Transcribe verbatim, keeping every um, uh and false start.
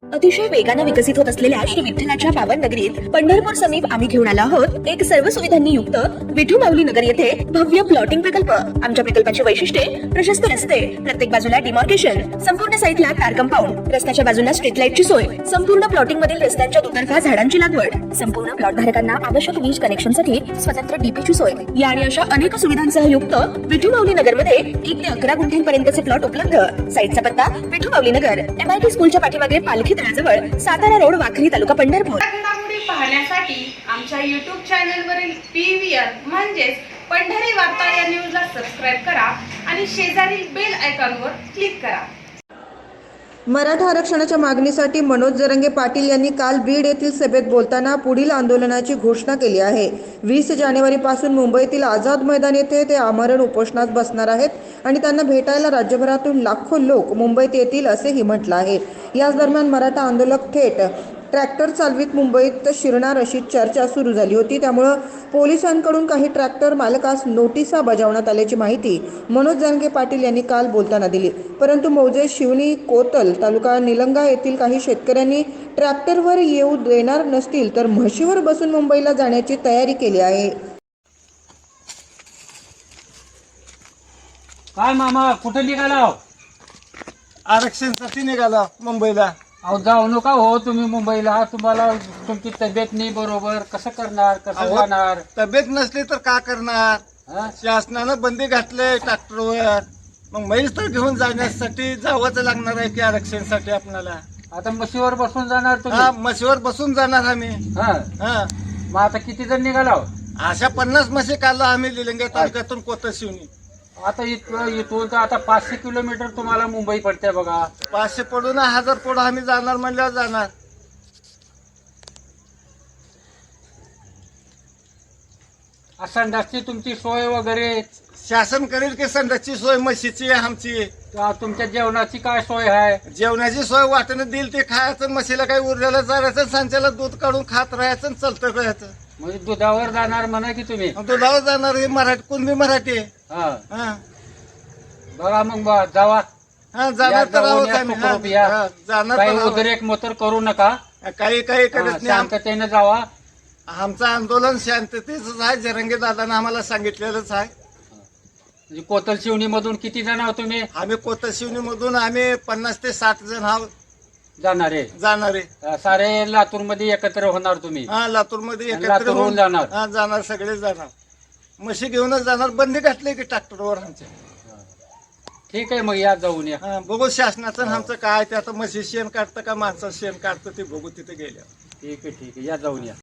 अतिशय वेगाने विकसित होत असलेल्या श्री विठ्ठलाच्या पावन नगरीत पंढरपूर समीप आम्ही घेऊन आलो आहोत एक सर्व सुविधांनी युक्त विठू माऊली नगर येथे भव्य प्लॉटिंग प्रकल्प। आमच्या प्रकल्पाची वैशिष्ट्ये प्रशस्त रस्ते, प्रत्येक बाजूला डिमार्केशन, संपूर्ण साईटला कार कंपाऊंड, रस्त्याच्या बाजूला स्ट्रीट लाईटची सोय, संपूर्ण प्लॉटिंग मधील रस्त्यांच्या दुतर्फा झाडांची लागवड, संपूर्ण प्लॉट धारकांना आवश्यक वीज कनेक्शनसाठी स्वतंत्र डीपीची सोय या आणि अशा अनेक सुविधांसह युक्त विठू माऊली नगर मध्ये एक ते अकरा गुंठ्यांपर्यंतचे प्लॉट उपलब्ध। साईटचा पत्ता विठू माऊली नगर, एमआयटी स्कूलच्या पाठीमागे पालखी तळाजवळ, सातारा रोड, वाखरी, तालुका पंढरपूर। घडामोडी पाहण्यासाठी आमच्या यूट्यूब चॅनलवरील पीव्हीआर म्हणजेच पंढरी वार्ता या न्यूजला सबस्क्राइब करा आणि शेजारील बेल आयकॉनवर क्लिक करा। मराठा आरक्षणाच्या मागणीसाठी मनोज जरंगे पाटील यांनी काल बीड येथील सभेत बोलताना पुढील आंदोलनाची घोषणा केली आहे। वीस जानेवारी पासून मुंबईतील आझाद मैदान येथे ते आमरण उपोषणास बसणार आहेत आणि त्यांना भेटायला राज्यभरातून लाखो लोक मुंबईत येतील असेही म्हटलं आहे। याच दरम्यान मराठा आंदोलक थेट ट्रॅक्टर चालवीत मुंबईत शिरणार अशी चर्चा सुरू झाली होती। त्यामुळे पोलिसांकडून काही ट्रॅक्टर मालकास नोटिसा बजावण्यात आल्याची माहिती मनोज जरंगे पाटील यांनी काल बोलताना दिली। परंतु मौजे, शिवणी, कोतल, तालुका निलंगा येथील काही शेतकऱ्यांनी ट्रॅक्टरवर येऊ देणार नसतील तर म्हशीवर बसून मुंबईला जाण्याची तयारी केली आहे। काय मामा, कुठे निघाला? आरक्षणासाठी निघाला मुंबईला। अहो जाऊ नका हो तुम्ही मुंबईला, तुम्हाला तुमची तब्येत नाही बरोबर, कसं करणार, कसं जाणार? तब्येत नसली तर का करणार? हा? शासनानं बंदी घातले ट्रॅक्टरवर, मग म्हैस तर घेऊन जाण्यासाठी जावंच लागणार आहे की आरक्षणासाठी आपल्याला। आता म्हशीवर बसून जाणार हा, तुम्ही? म्हशीवर बसून जाणार आम्ही। हा, हा, मग आता किती जण निघाला? अशा पन्नास म्हशी काढला आम्ही लिलंगे तालुक्यातून कोतल शिवणी। आता इथं इथून तर आता पाचशे किलोमीटर तुम्हाला मुंबई पडते बघा। पाचशे पडून हजार पडून आम्ही जाणार म्हणल्यावर जाणार। संडासची तुमची सोय वगैरे शासन करेल की संडासची सोय म्हशीची आमची? का तुमच्या जेवणाची काय सोय आहे? जेवणाची सोय वाटेनं देईल ते खायचं, म्हशीला काही उरलेलं चारायचं, सांच्याला दूध काढून खात राहायचं, चलत राहायचं। म्हणजे दुधावर जाणार म्हणा की तुम्ही? दुधावर जाणार हे मराठी, कुणबी मराठी आहे। हा, हा, बघा मग बा- जावा हा, जाणार या, तर जाऊन आहोत या, आम्ही। सुखरूप हा, या. हा, जाणार काही तर आहोत. उद्रेक मोतर करू नका, काही काही करत हा, नाही। आम- शांततेने जावा। आमचं आंदोलन शांततेच आहे, जरंगे दादानं आम्हाला सांगितलेलंच आहे। म्हणजे कोतल शिवणी मधून किती जण आहोत तुम्ही आम्ही कोतशिवनी मधून आम्ही पन्नास ते साठ जण आहोत जाणारे? जाणारे। अं, सारे लातूर मध्ये एकत्र होणार तुम्ही? हा, लातूर मध्ये आणि एकत्र लातूरहून होऊन जाणार? हा, जाणार, सगळे जाणार। म्हशी घेऊनच जाणार, बंदी घातली की ट्रॅक्टरवर आमच्या। ठीक आहे, मग या जाऊन या। हा, बघू शासनाचं आणि आमचं काय ते, आता म्हशी शेण काढतं का माणसं शेण काढतं ते बघू तिथे गेल्या। ठीक आहे, ठीक आहे, या जाऊन या।